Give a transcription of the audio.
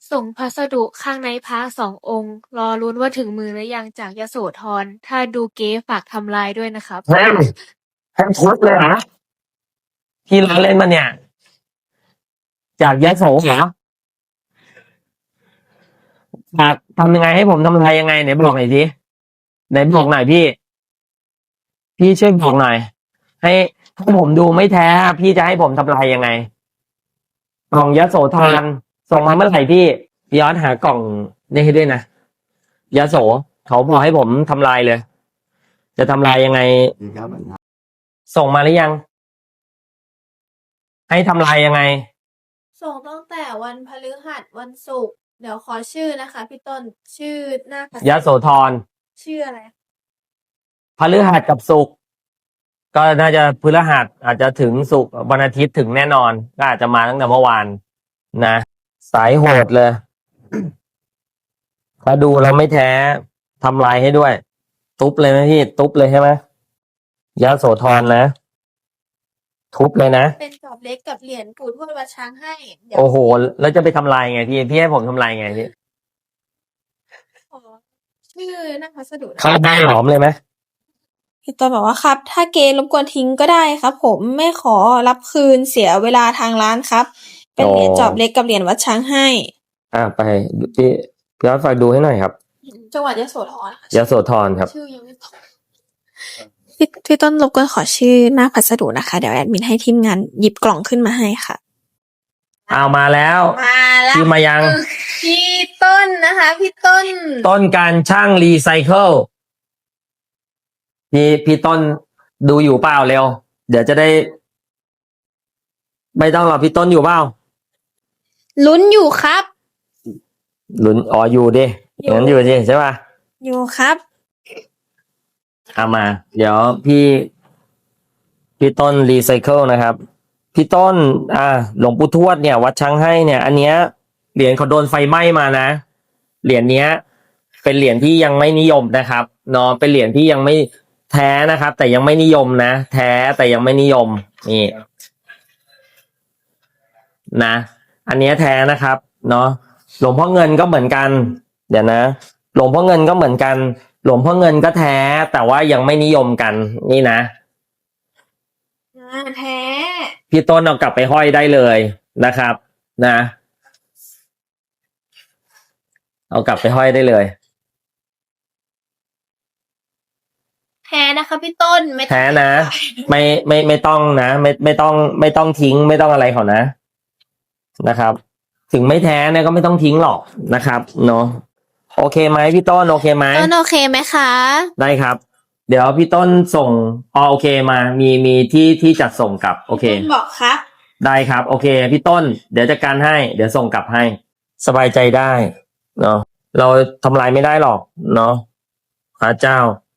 ส่งพัสดุข้างในพระ2 องค์ รอลุ้นว่าถึงมือหรือยังจากยโสธร ถ้าดูเก๊ฝากทำลายด้วยนะครับเฮ้ยให้ทุบเลยเหรอพี่ล้อเล่นมาเนี่ย จากยโสเหรอฝากทำยังไงให้ผมทำอะไรยังไงไหนบอกหน่อยสิไหนบอกหน่อยพี่ พี่ช่วยบอกหน่อย ให้ถ้าผมดูไม่แท้ พี่จะให้ผมทำลายยังไงกล่องยโสธรส่งมาเมื่อไหร่พี่ย้อนหากล่องนี่ให้ด้วยนะยโสเขาบอกให้ผมทำลายเลย จะทำลายยังไง ส่งมาหรือยัง ให้ทำลายยังไงส่งตั้งแต่วันพฤหัสวันศุกร์เดี๋ยวขอชื่อนะคะพี่ต้นชื่อหน้าพัสยโสธรชื่ออะไรพฤหัสกับศุกร์ก็น่าจะพฤหัสอาจจะถึงศุกร์วันอาทิตย์ถึงแน่นอน ก็อาจจะมาตั้งแต่เมื่อวานนะสายโหดเลย ถ้าดูแล้วไม่แท้ทำลายให้ด้วย ทุบเลยไหมพี่ทุบเลยใช่ไหมยโสธรนะ ทุบเลยนะเป็นกรอบเล็กกับเหรียญปู่ทวดวัดช้างให้เดี๋ยวโอ้โห แล้วจะไปทำลายไงพี่ให้ผมทำลายไงพี่ขอชื่อหน้าพัสดุนะเข้าได้หลอมเลยไหมพี่ต้นบอกว่าครับ ถ้าเกรบกวนทิ้งก็ได้ครับ ผมไม่ขอรับคืนเสียเวลาทางร้านครับ เป็นเหรียญจอบเล็กกับเหรียญวัดช้างให้ไปพี่ย้อนฝากดูให้หน่อยครับจังหวัดยโสธรค่ะยโสธรครับชื่อยังไม่ตรงพี่ต้นรบกวนขอชื่อหน้าพัสดุนะคะ เดี๋ยวแอดมินให้ทีมงานหยิบกล่องขึ้นมาให้ค่ะเอามาแล้วมาแล้วพี่มายังพี่ต้นนะคะ พี่ต้นต้นการช่างรีไซเคิลพี่ต้นดูอยู่เปล่าเร็ว เดี๋ยวจะได้ ไม่ต้องหรอกพี่ต้นอยู่เปล่าลุ้นอยู่ครับลุ้นอยู่ดิอยู่งั้นอยู่ดิใช่ป่ะอยู่ครับเอามา เดี๋ยวพี่ต้นรีไซเคิลนะครับ พี่ต้นหลวงปู่ทวดเนี่ย วัดช้างให้เนี่ย อันเนี้ยเหรียญเขาโดนไฟไหม้มานะเหรียญเนี้ย เป็นเหรียญที่ยังไม่นิยมนะครับเนาะเป็นเหรียญที่ยังไม่แท้นะครับ แต่ยังไม่นิยมนะแท้แต่ยังไม่นิยมนี่นะอันเนี้ยแท้นะครับเนาะหลวงพ่อเงินก็เหมือนกัน เดี๋ยวนะหลวงพ่อเงินก็เหมือนกัน หลวงพ่อเงินก็แท้แต่ว่ายังไม่นิยมกันนี่นะแท้พี่ต้นเอากลับไปห้อยได้เลยนะครับ นะ เอากลับไปห้อยได้เลยแท้นะคะพี่ต้นไม่แท้นะ ไม่ต้องนะไม่ต้องทิ้งไม่ต้องอะไรเขานะครับ ถึงไม่แท้เนี่ยก็ไม่ต้องทิ้งหรอกนะครับเนาะโอเคไหมพี่ต้นโอเคไหมต้นโอเคไหมคะได้ครับ เดี๋ยวพี่ต้นส่งโอเคมามีที่จัดส่งกลับโอเคต้นบอกครับได้ครับโอเคพี่ต้นเดี๋ยวจัดการให้เดี๋ยวส่งกลับให้สบายใจได้เนาะเราทำลายไม่ได้หรอกเนาะพระเจ้า